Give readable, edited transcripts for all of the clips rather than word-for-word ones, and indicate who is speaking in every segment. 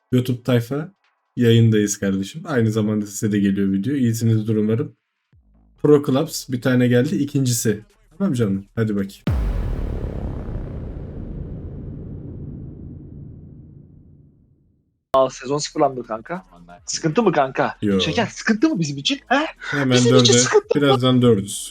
Speaker 1: YouTube tayfa yayındayız kardeşim. Aynı zamanda size de geliyor video. İyisinizdir umarım. Pro Clubs bir tane geldi. İkincisi. Tamam canım. Hadi bakayım.
Speaker 2: Sezon sıfırlandı kanka. Sıkıntı mı kanka?
Speaker 1: Yo.
Speaker 2: Şeker sıkıntı mı bizim için? He?
Speaker 1: Hemen
Speaker 2: Bizim için
Speaker 1: 4'e.
Speaker 2: sıkıntı.
Speaker 1: Birazdan 4'üz.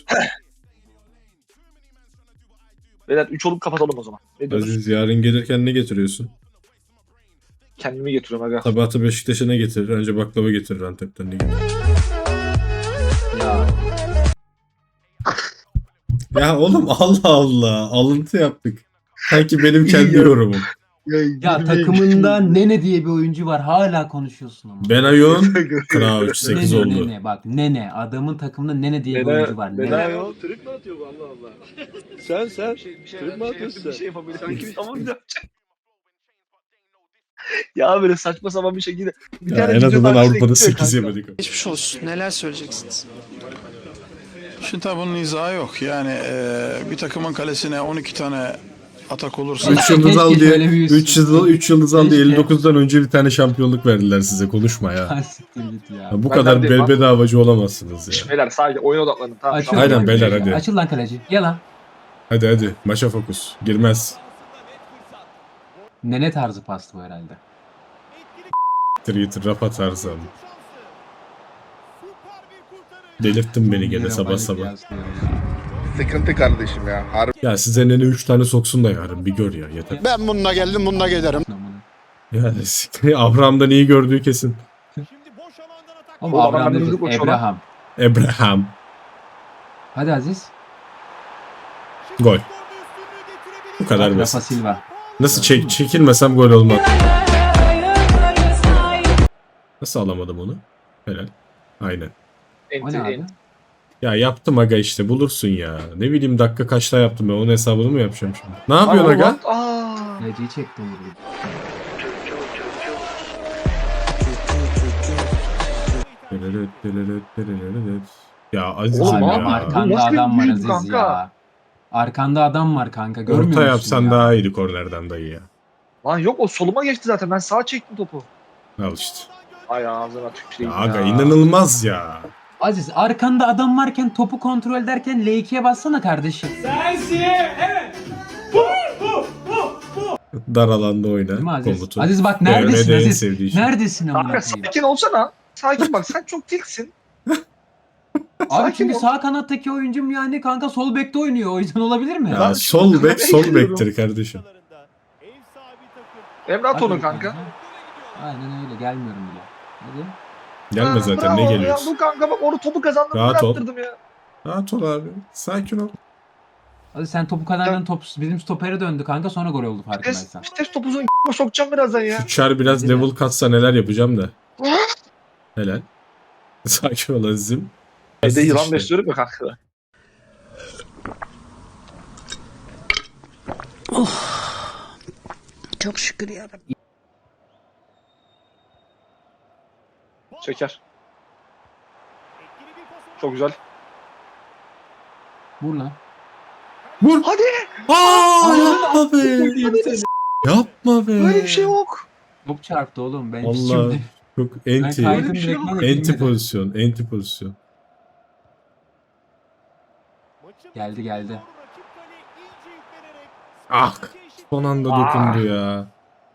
Speaker 2: Beyler 3 olup kapatalım o zaman. Ne diyorsun?
Speaker 1: Aziz yarın gelirken ne getiriyorsun?
Speaker 2: Kendimi getiriyorum aga.
Speaker 1: Sabahatı Beşiktaş'a ne getirir? Önce baklava getirir Antep'ten. Ne getirir?
Speaker 2: Ya.
Speaker 1: Ya oğlum Allah Allah. Alıntı yaptık. Sanki benim kendi yorumum.
Speaker 3: Ya takımında Nene diye bir oyuncu var. Hala konuşuyorsun ama.
Speaker 1: Benayoun Crouch 8
Speaker 3: Nene,
Speaker 1: oldu.
Speaker 3: Nene bak Nene. Adamın takımında Nene diye bir
Speaker 2: Nene-
Speaker 3: oyuncu var.
Speaker 2: Nene-
Speaker 3: Nene.
Speaker 4: Ya trip mi atıyor bu Allah Allah? Sen trip mi atıyorsun
Speaker 2: Bir
Speaker 4: sen?
Speaker 2: şey yapabilir. Sanki tamam bir yapacak. Ya böyle saçma sapan bir şekilde. Bir
Speaker 1: Ya en
Speaker 2: video
Speaker 1: azından
Speaker 2: tarzı
Speaker 1: Avrupa'da
Speaker 2: ekliyor
Speaker 1: 8
Speaker 2: kanka.
Speaker 1: yemedik.
Speaker 5: Geçmiş olsun. Neler söyleyeceksiniz?
Speaker 6: Şimdi tabii bunun izahı yok. Yani bir takımın kalesine 12 tane atak olursa
Speaker 1: 3 yıldız
Speaker 3: Keşke
Speaker 1: al diye
Speaker 3: söylemeyi
Speaker 1: 3 yıldız al diye
Speaker 3: Keşke.
Speaker 1: 59'dan önce bir tane şampiyonluk verdiler size. Konuşma ya.
Speaker 3: Ha, siktir git ya.
Speaker 1: Ya bu
Speaker 2: Ben
Speaker 1: kadar
Speaker 2: neredeyim lan?
Speaker 1: bedavacı olamazsınız
Speaker 2: Şş,
Speaker 1: ya.
Speaker 2: Beyler sadece oyuna odaklanın. Tamam.
Speaker 3: Açıl
Speaker 2: tamam.
Speaker 1: Aynen
Speaker 3: lan
Speaker 1: beyler,
Speaker 3: kaleci.
Speaker 1: hadi.
Speaker 3: Açıl lan kaleci. Gel lan.
Speaker 1: Hadi maça fokus. Girmez.
Speaker 3: Nene tarzı pastı bu herhalde.
Speaker 1: Twitter rap atarsam. Delirttin beni gene sabah sabah.
Speaker 7: Sıkıntı kardeşim ya. Harbi.
Speaker 1: Ya size nene 3 tane soksun da yarın bir gör ya yeter.
Speaker 5: ben bununla geldim, bununla giderim.
Speaker 1: Ya Abraham'dan iyi gördüğü kesin.
Speaker 3: Ama
Speaker 2: Oğlum,
Speaker 3: Abraham
Speaker 2: ben
Speaker 3: değil,
Speaker 2: müzik koşuyorum.
Speaker 3: Abraham.
Speaker 1: Abraham.
Speaker 3: Hadi Aziz.
Speaker 1: Gol. Bu kadar
Speaker 3: Rafa
Speaker 1: basit.
Speaker 3: Silva.
Speaker 1: Nasıl çekilmesem gol olmaz. Nasıl alamadım onu? Helal. Aynen.
Speaker 3: O ne abi?
Speaker 1: Ya yaptım aga işte bulursun ya. Ne bileyim dakika kaçta yaptım ben onun hesabını mı yapacağım şimdi? Ne yapıyorsun aga?
Speaker 3: Kaleciyi çektim gibi.
Speaker 1: Ya Aziz
Speaker 2: Oğlum,
Speaker 1: ya.
Speaker 2: abi,
Speaker 3: Arkanda
Speaker 2: nasıl bir
Speaker 3: adam var
Speaker 2: büyük
Speaker 3: Aziz
Speaker 2: kanka?
Speaker 3: ya. Arkanda adam var kanka. Görmüyor
Speaker 1: Orta
Speaker 3: musun
Speaker 1: yapsan
Speaker 3: ya?
Speaker 1: daha iyiydi kornerden dayı ya.
Speaker 2: Lan yok o soluma geçti zaten. Ben sağa çektim topu.
Speaker 1: Al işte.
Speaker 2: Ay ağzına tüküreyim
Speaker 1: Ya aga inanılmaz ya.
Speaker 3: Aziz arkanda adam varken topu kontrol ederken L2'ye bassana kardeşim.
Speaker 1: Dar alanda oyna.
Speaker 3: Değil mi Aziz?
Speaker 1: Komutu.
Speaker 3: Aziz bak
Speaker 1: Evet,
Speaker 3: neredesin
Speaker 1: en
Speaker 3: Aziz?
Speaker 1: sevdiği şey.
Speaker 3: Neredesin amına
Speaker 2: Kanka
Speaker 3: koyayım?
Speaker 2: sakin olsana. Sakin bak sen çok tilksin.
Speaker 3: Abi
Speaker 2: sakin
Speaker 3: çünkü
Speaker 2: ol.
Speaker 3: sağ kanattaki oyuncum yani kanka sol bekte oynuyor. O yüzden olabilir mi?
Speaker 1: Ya sol bek sol bektir kardeşim.
Speaker 2: Emre at onu
Speaker 3: Hadi
Speaker 2: kanka.
Speaker 3: Aynen öyle gelmiyorum bile. Hadi.
Speaker 1: Gelme zaten ne
Speaker 2: bravo
Speaker 1: geliyorsun?
Speaker 2: Ya, bu kanka bak onu topu kazandım.
Speaker 1: Rahat ol.
Speaker 2: Attırdım ya.
Speaker 1: Rahat ol abi. Sakin ol.
Speaker 3: Hadi sen topu kazandın top bizim stopere döndü kanka sonra gol oldu farkındaysan.
Speaker 2: Vites topuzun sokacağım birazdan ya.
Speaker 1: Şu çar biraz
Speaker 3: Hadi
Speaker 1: level katsa neler yapacağım da. Helal. Sakin ol Aziz'im.
Speaker 2: Evde yılan
Speaker 1: işte.
Speaker 2: besliyorum ya kanka.
Speaker 5: Çok şükür ya.
Speaker 2: Şeker. Çok güzel.
Speaker 3: Vur lan.
Speaker 1: Vur.
Speaker 2: Hadi.
Speaker 1: Aa, yapma be. Yapma be.
Speaker 2: Böyle bir şey yok.
Speaker 3: Top çarptı oğlum. Ben
Speaker 1: Vallahi
Speaker 3: şimdi
Speaker 1: çok
Speaker 3: ben
Speaker 1: enti.
Speaker 3: kaydım
Speaker 2: bir şey
Speaker 3: direkt
Speaker 2: yok.
Speaker 3: lan,
Speaker 1: Enti
Speaker 3: girmedi.
Speaker 1: pozisyon. Enti pozisyon.
Speaker 3: Geldi.
Speaker 1: Ah. Son anda dokundu ya.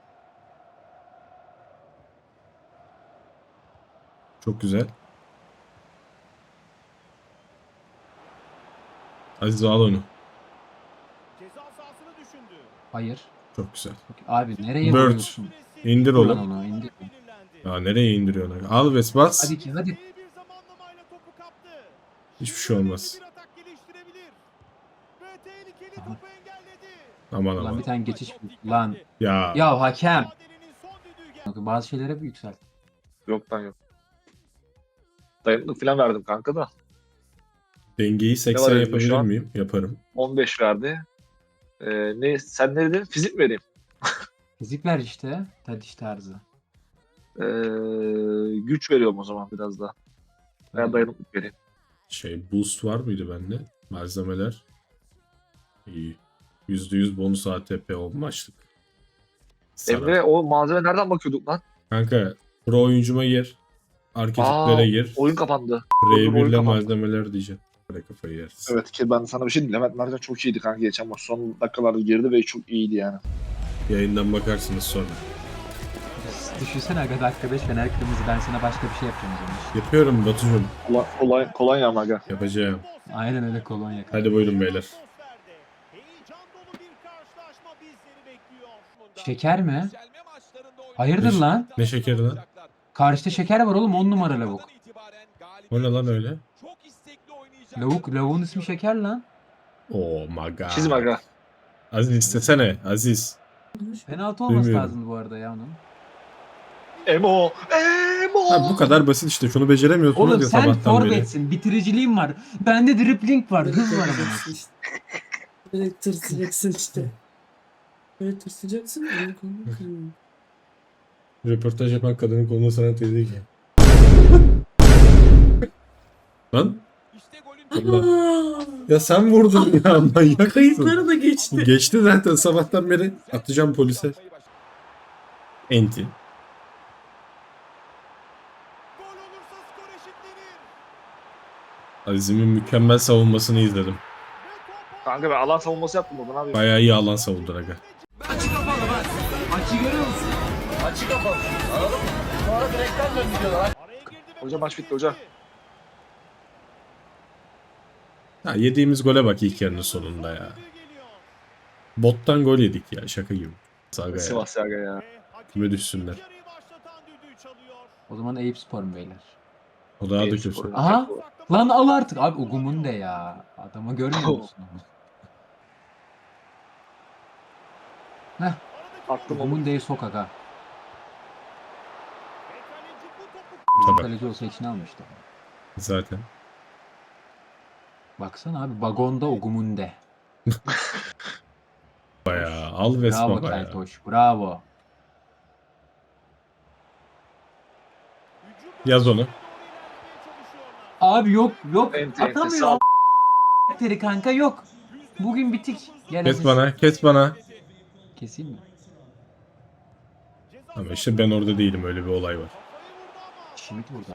Speaker 1: Çok güzel. Aziz al onu.
Speaker 3: Hayır.
Speaker 1: Çok güzel.
Speaker 3: Abi nereye
Speaker 1: Bird.
Speaker 3: vuruyorsun?
Speaker 1: İndir
Speaker 3: Vur lan
Speaker 1: onu.
Speaker 3: onu indir.
Speaker 1: Ya nereye indiriyorsun? Al Ves bas.
Speaker 3: Hadi ki hadi.
Speaker 1: Hiçbir şey olmaz. Aman
Speaker 3: Lan
Speaker 1: aman.
Speaker 3: bir tane geçiş lan.
Speaker 1: Ya.
Speaker 3: Ya hakem. Bazı şeylere bir yükselt.
Speaker 2: Yok lan yok. Dayanıklık falan verdim kanka da.
Speaker 1: Dengeyi
Speaker 2: Ne
Speaker 1: 80
Speaker 2: var elimde
Speaker 1: yapabilir
Speaker 2: şu an?
Speaker 1: miyim? Yaparım.
Speaker 2: 15 verdi. Sen ne dedin? Fizik mi vereyim?
Speaker 3: Fizik ver işte. Tadiş tarzı.
Speaker 2: Güç veriyorum o zaman biraz daha. Veya dayanıklık vereyim.
Speaker 1: Boost var mıydı bende? Malzemeler. İyi. %100 bonus ATP olma açtık. Sarar.
Speaker 2: Emre o malzeme nereden bakıyorduk lan?
Speaker 1: Kanka pro oyuncuma gir. Arketiplere gir.
Speaker 2: Oyun kapandı. oyun
Speaker 1: R1'le
Speaker 2: kapandı.
Speaker 1: malzemeler diyeceğim. Böyle kafayı yersin.
Speaker 2: Evet ki ben sana bir şey diyeyim. Levent Mercan çok iyiydi kanka geçen maç. Son dakikalarda girdi ve çok iyiydi yani.
Speaker 1: Yayından bakarsınız sonra.
Speaker 3: Düşünsene aga dakika 5 Fener kırmızı, ben sana başka bir şey yapacağım o zaman.
Speaker 1: Yapıyorum Batucuğum.
Speaker 2: Kolonya ama aga.
Speaker 1: Yapacağım.
Speaker 3: Aynen öyle kolonya.
Speaker 1: Hadi buyurun beyler.
Speaker 3: Şeker mi? Hayırdır
Speaker 1: Ne-
Speaker 3: lan?
Speaker 1: Ne şekeri lan?
Speaker 3: Karşıda şeker var oğlum, 10 numara lavuk.
Speaker 1: O ne lan öyle?
Speaker 3: Lavuğun ismi şeker lan.
Speaker 1: Oh my god.
Speaker 2: Çizim aga.
Speaker 1: Aziz istesene. Aziz.
Speaker 3: Penaltı olması
Speaker 1: Bilmiyorum.
Speaker 3: lazımdı bu arada ya onun.
Speaker 2: Emo.
Speaker 1: Ha, bu kadar basit işte. Şunu beceremiyorsunuz
Speaker 3: Oğlum
Speaker 1: ya
Speaker 3: sen
Speaker 1: sabahtan beri.
Speaker 3: forvetsin, bitiriciliğin var. Bende dribbling var, hız var ama.
Speaker 8: Böyle tırsacaksın işte. Böyle tırsacaksın. Öyle kolunu kırmıyor.
Speaker 1: Röportaj yapan kadının koluna sana teyze ki. Lan? Allah. Ya sen vurdun ya manyak mısın?
Speaker 8: Kayıtları da geçti.
Speaker 1: Geçti zaten sabahtan beri. Atacağım polise. Enti. Aziz'imin mükemmel savunmasını izledim.
Speaker 2: Kanka ben alan savunması yaptım oradan abi.
Speaker 1: Bayağı iyi alan savundu aga.
Speaker 3: Maçı görüyor musun?
Speaker 2: Hoca maç bitti hoca.
Speaker 1: Ha, yediğimiz gole bak ilk yarının sonunda ya. Bottan gol yedik ya şaka gibi. Saga ya.
Speaker 2: Sivas aga ya.
Speaker 1: Küme düşsünler.
Speaker 3: O zaman Eyüp Spor mu beyler?
Speaker 1: O daha da
Speaker 2: Eyüp
Speaker 1: kötü.
Speaker 2: Spor'un-
Speaker 3: Aha! Lan al artık. Abi Ogumun de ya. Adamı görmüyor musun? Heh.
Speaker 2: Attım onu.
Speaker 3: Ogumun de'yi sok aga.
Speaker 1: Tabii
Speaker 3: Kaleci olsa içine almıştı.
Speaker 1: zaten.
Speaker 3: Baksana abi vagonda Ogumunde.
Speaker 1: Bayağı al ve
Speaker 3: Bravo
Speaker 1: baba ya.
Speaker 3: Keltoş. Bravo.
Speaker 1: Yaz onu.
Speaker 3: Abi yok yok.
Speaker 2: Enti, enti,
Speaker 3: Atamıyor.
Speaker 2: sağ-
Speaker 3: Teri kanka yok. Bugün bitik. Gel
Speaker 1: Kes
Speaker 3: Aziz.
Speaker 1: bana, kes bana.
Speaker 3: Keseyim mi?
Speaker 1: Ama işte ben orada değilim, öyle bir olay var.
Speaker 3: Şimit burada.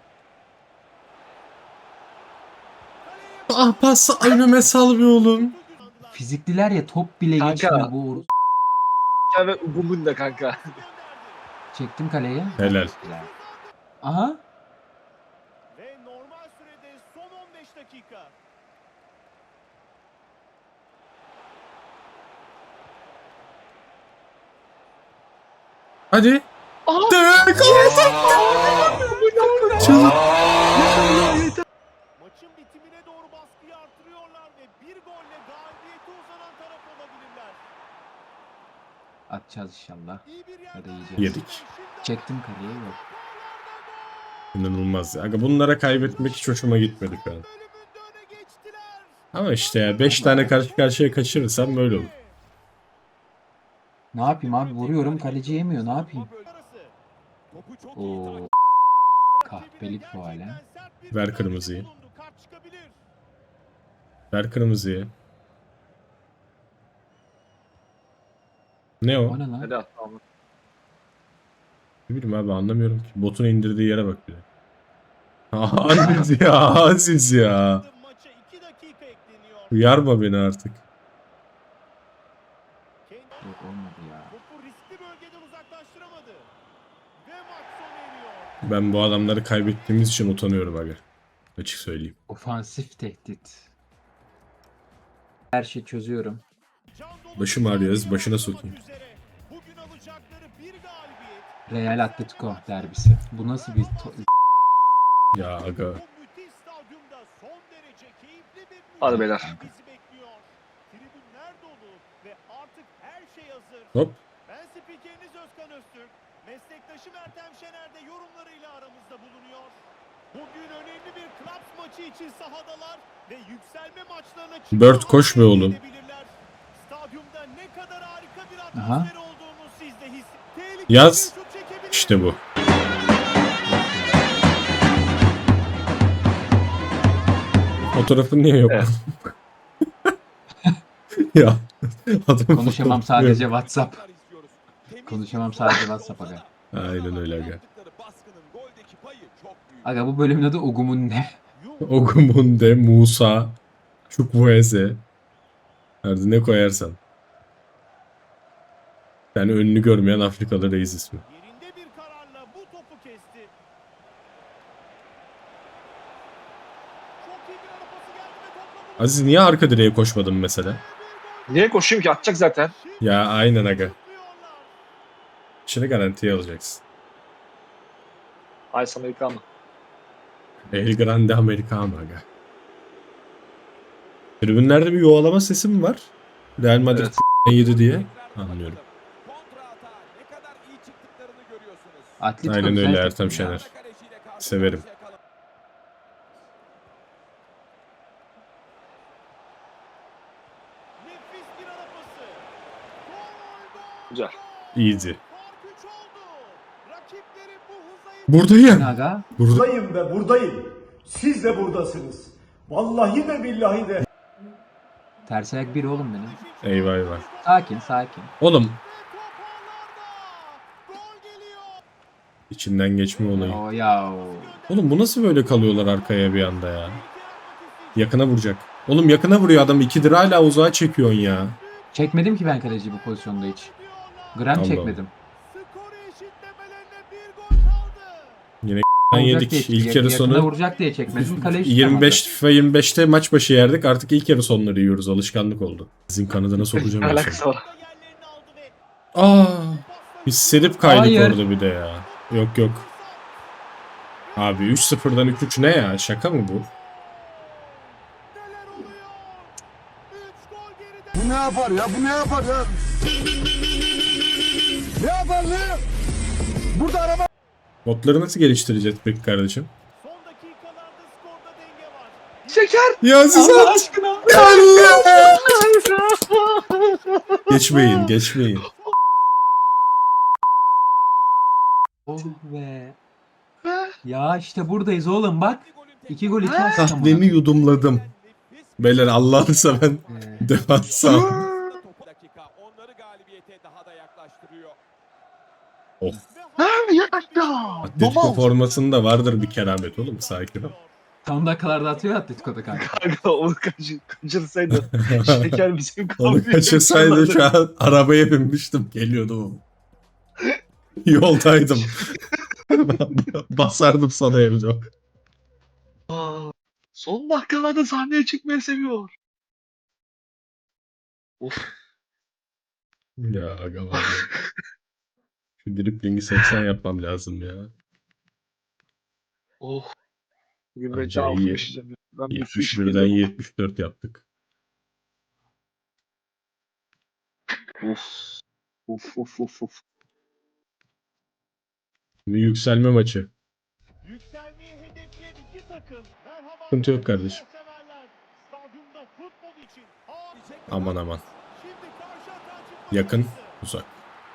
Speaker 1: Ah pas önüme sal bir oğlum.
Speaker 3: Fizikliler ya top bile
Speaker 2: Kanka.
Speaker 3: geçmiyor bu.
Speaker 2: Ya ve Ugum'un da kanka.
Speaker 3: Çektim kaleye.
Speaker 1: Helal.
Speaker 3: Güzel. Aha.
Speaker 4: Ve normal sürede son 15 dakika.
Speaker 1: Hadi. Dök.
Speaker 4: Maçın bitimine doğru baskıyı artırıyorlar ve bir golle galibiyete uzanan taraf olabilirler.
Speaker 3: Atacağız inşallah.
Speaker 4: İyi bir
Speaker 3: Ya da
Speaker 4: yerden
Speaker 3: yiyeceğiz.
Speaker 1: Yedik.
Speaker 3: Çektim kaleye yok.
Speaker 1: İnanılmaz ya. Aga bunlara kaybetmek hiç hoşuma gitmedi şu an.
Speaker 4: bölümünde öne geçtiler.
Speaker 1: Ama işte ya 5 tane karşı karşıya kaçırırsam böyle olur.
Speaker 3: Ne yapayım abi, vuruyorum kaleci yemiyor, ne yapayım?
Speaker 4: Arası. Topu çok iyi
Speaker 3: Oo.
Speaker 4: takip-
Speaker 3: Kahpelik bu hale.
Speaker 4: Sert bir
Speaker 1: Ver
Speaker 4: müdahale
Speaker 1: kırmızıyı.
Speaker 4: bulundu. Kart çıkabilir.
Speaker 1: Ver kırmızıyı. Ne o?
Speaker 3: O ne lan?
Speaker 2: Hadi attı ama.
Speaker 1: Ne bileyim abi anlamıyorum ki. Botun indirdiği yere bak bir de. Aziz ya, Aziz ya.
Speaker 4: Maça 2 dakika ekleniyor.
Speaker 1: Uyarma beni artık.
Speaker 4: Kendi
Speaker 3: Yok olmadı ya.
Speaker 4: topu riskli bölgeden uzaklaştıramadı. Ve maç sona eriyor.
Speaker 1: Ben bu adamları kaybettiğimiz için utanıyorum aga. Açık söyleyeyim.
Speaker 3: Ofansif tehdit. Her şeyi çözüyorum.
Speaker 4: Can dolu
Speaker 1: Başım ağrıyor, Aziz, başına sokayım.
Speaker 4: üzere. Bugün alacakları bir galibiyet.
Speaker 3: Real Atletico derbisi. Bu nasıl bir
Speaker 1: Ya aga.
Speaker 4: Bu müthiş stadyumda son derece keyifli bir
Speaker 2: Hadi
Speaker 4: mücadele
Speaker 2: beyler.
Speaker 4: bizi bekliyor. Tribünler dolu ve artık her şey hazır.
Speaker 1: Hop.
Speaker 4: Ben spikeriniz Özkan Öztürk. Meslektaşım Ertem Şener de yorumlarıyla aramızda bulunuyor. Bugün önemli bir Clubs maçı için sahadalar ve yükselme maçlarına
Speaker 1: Bird koş be oğlum.
Speaker 4: edebilirler. Stadyumda ne kadar harika bir
Speaker 3: Aha.
Speaker 4: atmosfer olduğunu siz de tehlikeli
Speaker 1: Yaz.
Speaker 4: bir şut çekebilir.
Speaker 1: İşte bu. Fotoğrafın niye yok?
Speaker 2: Evet.
Speaker 1: Ya. Adam
Speaker 3: konuşamam
Speaker 1: fotoğrafı
Speaker 3: sadece
Speaker 1: yok.
Speaker 3: WhatsApp. Konuşamam sadece WhatsApp aga.
Speaker 1: Aynen öyle aga.
Speaker 3: Aga bu bölümün adı Ogumun ne?
Speaker 1: Ogumunde, Musa, Chukwueze. Nerede ne koyarsan. Yani önünü görmeyen Afrikalı reis ismi.
Speaker 4: Yerinde bir kararla bu topu kesti. Çok iyi bir ara pası geldi ve topla buluştu.
Speaker 1: Aziz niye arka direğe koşmadın mesela?
Speaker 2: Niye koşayım ki? Atacak zaten.
Speaker 1: Ya aynen aga.
Speaker 4: Zıplıyorlar.
Speaker 1: İşini garantiye alacaksın.
Speaker 2: Ay sana yıkanma.
Speaker 1: El Grande Americano aga. Tribünlerde bir yuvalama sesi mi var? Real Madrid
Speaker 2: Evet.
Speaker 1: yedi diye. Anlıyorum.
Speaker 3: Atletico
Speaker 1: Aynen
Speaker 3: güzel
Speaker 1: öyle
Speaker 3: takım
Speaker 1: Ertem
Speaker 3: ya.
Speaker 1: Şener. Severim.
Speaker 4: Nefis bir ara pası. Gol, gol.
Speaker 2: Güzel.
Speaker 1: Easy.
Speaker 4: Fark 3 oldu. Rakipleri bu hıza
Speaker 1: Buradayım.
Speaker 3: Aga
Speaker 1: Burada.
Speaker 9: Buradayım ve buradayım. Siz de buradasınız. Vallahi de billahi de.
Speaker 3: ters ayak biri oğlum benim.
Speaker 1: Eyvah eyvah.
Speaker 3: Sakin sakin.
Speaker 1: Oğlum
Speaker 4: Gol geliyor.
Speaker 1: içinden geçme olayı.
Speaker 3: O ya.
Speaker 1: Oğlum bu nasıl böyle kalıyorlar arkaya bir anda ya? Yakına vuracak. Oğlum yakına vuruyor adam. 2'dir hala uzağa çekiyorsun ya.
Speaker 3: Çekmedim ki ben kaleci bu pozisyonda hiç. Gram
Speaker 1: Allah
Speaker 3: çekmedim.
Speaker 4: Skoru eşitlemelerine bir gol kaldı.
Speaker 1: Yine
Speaker 3: Vuracak
Speaker 1: yedik.
Speaker 3: diye-
Speaker 1: İlk yarı
Speaker 3: yakında
Speaker 1: sonu
Speaker 3: vuracak diye çekmedim. Kaleci
Speaker 1: 25 FIFA 25'te maç başı yerdik. Artık ilk yarı sonları yiyoruz. Alışkanlık oldu. Sizin kanadına sokacağım
Speaker 2: Ne
Speaker 1: en son.
Speaker 2: alakası var?
Speaker 4: Yerlerini aldı ve
Speaker 1: Aa, biz serip kaydık
Speaker 3: Hayır.
Speaker 1: orada bir de ya. Yok yok. Abi 3-0'dan 3-3 ne ya? Şaka mı bu?
Speaker 4: neler oluyor? 3 gol geride.
Speaker 9: Bu ne yapar ya? Bu ne yapar ya? Ne yapar ne? Burada araba.
Speaker 1: Botları nasıl geliştireceğiz peki kardeşim?
Speaker 4: Son dakikalarda skorda denge var.
Speaker 2: Şeker.
Speaker 1: Ya siz
Speaker 3: Allah
Speaker 1: at.
Speaker 3: aşkına.
Speaker 1: Geçmeyin, geçmeyin.
Speaker 3: Oh be. Ya işte buradayız oğlum bak. 2 gol 2 asist ama.
Speaker 1: Kahvemi yudumladım. Beyler Allah'ını seven defans al. Oh. Atletico formasında vardır bir keramet oğlum. Sakin ol.
Speaker 3: Son dakikalarda atıyor Atletico'da kanka.
Speaker 2: Kanka onu kaçırsaydı. Şeker bizim
Speaker 1: Onu
Speaker 2: kahveye
Speaker 1: kaçırsaydı
Speaker 2: yükseldi.
Speaker 1: şu an arabaya binmiştim. Geliyordum. Yoldaydım. Basardım sana evde.
Speaker 2: Aa, son dakikalarda sahneye çıkmayı seviyor. Of.
Speaker 1: Ya aga var ya. Şu driplingi 80 yapmam lazım ya.
Speaker 2: Oh. Bugün ben
Speaker 1: Anca
Speaker 2: can
Speaker 1: iyi.
Speaker 2: yaşayacağım. Ya. Ben bir su içip
Speaker 1: 71'den
Speaker 2: geliyorum.
Speaker 1: 74 yaptık.
Speaker 2: Of. Of of of of.
Speaker 1: Şimdi yükselme maçı.
Speaker 4: Yükselmeyi hedefleyen iki takım. Merhaba.
Speaker 1: Sıkıntı yok kardeşim.
Speaker 4: Severler. Stadyumda futbol için.
Speaker 1: Aman aman.
Speaker 4: Şimdi karşı atağa çıkma
Speaker 1: Yakın,
Speaker 4: şansı.
Speaker 1: uzak.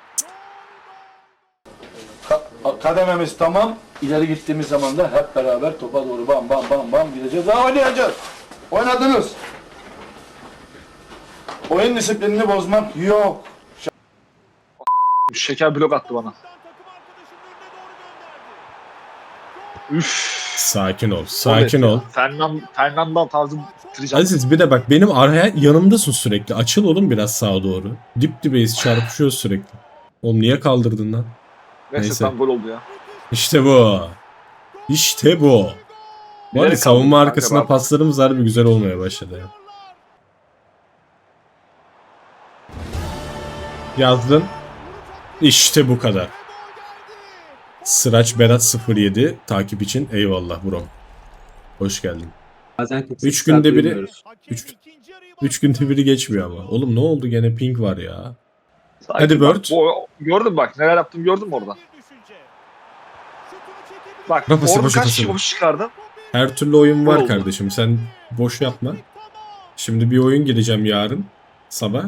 Speaker 9: Kadememiz tamam. İleri gittiğimiz zaman da hep beraber topa doğru bam bam bam bam gideceğiz. Daha oynayacağız. Oynadınız. Oyun disiplinini bozmak yok.
Speaker 2: Şeker blok attı bana.
Speaker 4: Takım arkadaşının önüne doğru gönderdi.
Speaker 2: Üf.
Speaker 1: Sakin ol, sakin ol.
Speaker 2: Fernando tarzı bitireceğim.
Speaker 1: Aziz bir de bak benim araya yanımdasın sürekli. Açıl oğlum biraz sağa doğru. Dip dibeyiz çarpışıyoruz sürekli. Oğlum niye kaldırdın lan?
Speaker 2: Neyse
Speaker 1: neyse.
Speaker 2: tam gol oldu ya.
Speaker 1: İşte bu. İşte bu. Bu arada
Speaker 2: Bilerek
Speaker 1: savunma
Speaker 2: kaldırdım kanka,
Speaker 1: arkasına
Speaker 2: bak.
Speaker 1: paslarımız harbi güzel olmaya başladı ya. Yazdın. İşte bu kadar. Sıraç Berat 07 takip için eyvallah bro. Hoş geldin.
Speaker 3: Bazen 48
Speaker 1: 3 günde
Speaker 3: saat
Speaker 1: biri
Speaker 3: uyumuyoruz.
Speaker 4: Hakem
Speaker 1: Üç-
Speaker 4: ikinci yarıyı
Speaker 1: 3 günde biri geçmiyor ama. Oğlum ne oldu gene ping var ya.
Speaker 2: Sakin
Speaker 1: Hadi
Speaker 2: bak,
Speaker 1: Bird.
Speaker 2: gördün bak neler yaptım gördün mü orada?
Speaker 4: bir düşünce. Şutunu çekebilir.
Speaker 2: Bak
Speaker 1: Rafası,
Speaker 2: orada
Speaker 1: boşu,
Speaker 2: kaç
Speaker 1: pası.
Speaker 2: kişi boş çıkardın?
Speaker 1: Her türlü oyun var
Speaker 2: Oldu.
Speaker 1: kardeşim. Sen boş yapma. Şimdi bir oyun gireceğim yarın sabah.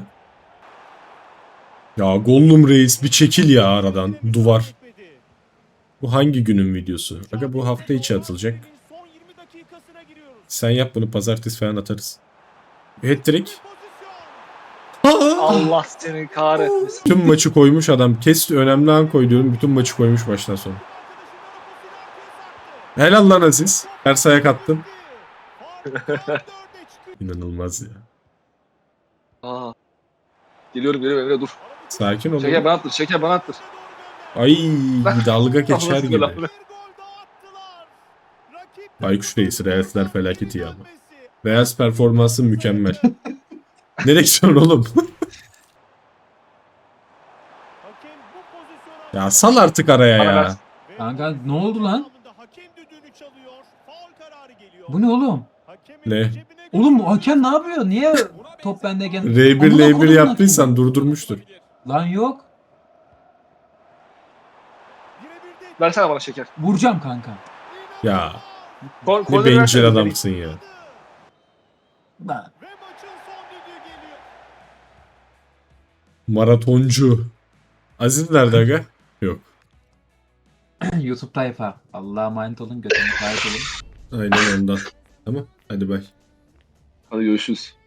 Speaker 1: Ya Gollum Reis bir çekil ya aradan. Duvar. Bu hangi günün videosu? Aga bu hafta içi atılacak.
Speaker 4: Son 20 dakikasına giriyoruz.
Speaker 1: Sen yap bunu pazartesi falan atarız. Hat-trick.
Speaker 4: Pozisyon.
Speaker 2: Allah seni kahretmesin.
Speaker 1: Tüm maçı koymuş adam. Kes önemli an koy diyorum. Bütün maçı koymuş baştan sona. Helal lan Aziz. Ters ayak attın. İnanılmaz ya.
Speaker 2: Aa. Geliyorum Emre dur.
Speaker 1: Sakin ol.
Speaker 2: Şeker bana attır. Şeker bana attır.
Speaker 1: Ay dalga geçer
Speaker 2: Allah'ın
Speaker 1: gibi.
Speaker 2: selamı.
Speaker 1: Baykuş Reis, Reels'ler felaketi ya ama. Reels performansı mükemmel. Nereye gidiyorsun oğlum? Ya sal artık araya
Speaker 2: Bana
Speaker 1: ya.
Speaker 2: ver.
Speaker 3: Kanka ne oldu lan? Bu ne oğlum?
Speaker 1: Ne?
Speaker 3: Oğlum bu hakem ne yapıyor? Niye top bendeyken?
Speaker 1: R1
Speaker 3: Amına
Speaker 1: L1
Speaker 3: kodumun
Speaker 1: yaptıysan durdurmuştur.
Speaker 3: hakemi. Lan yok.
Speaker 2: Versene bana şeker.
Speaker 3: Vuracağım kanka.
Speaker 1: Ya
Speaker 2: Kol,
Speaker 1: ne
Speaker 2: kolları
Speaker 1: bencil
Speaker 2: versene.
Speaker 1: adamsın ya.
Speaker 3: Lan.
Speaker 1: Maratoncu. Aziz nerede aga? Yok.
Speaker 3: YouTube tayfa. Allah'a emanet olun. Götürün. Emanet olun.
Speaker 1: Aynen ondan. Tamam. Hadi bay.
Speaker 2: Hadi görüşürüz.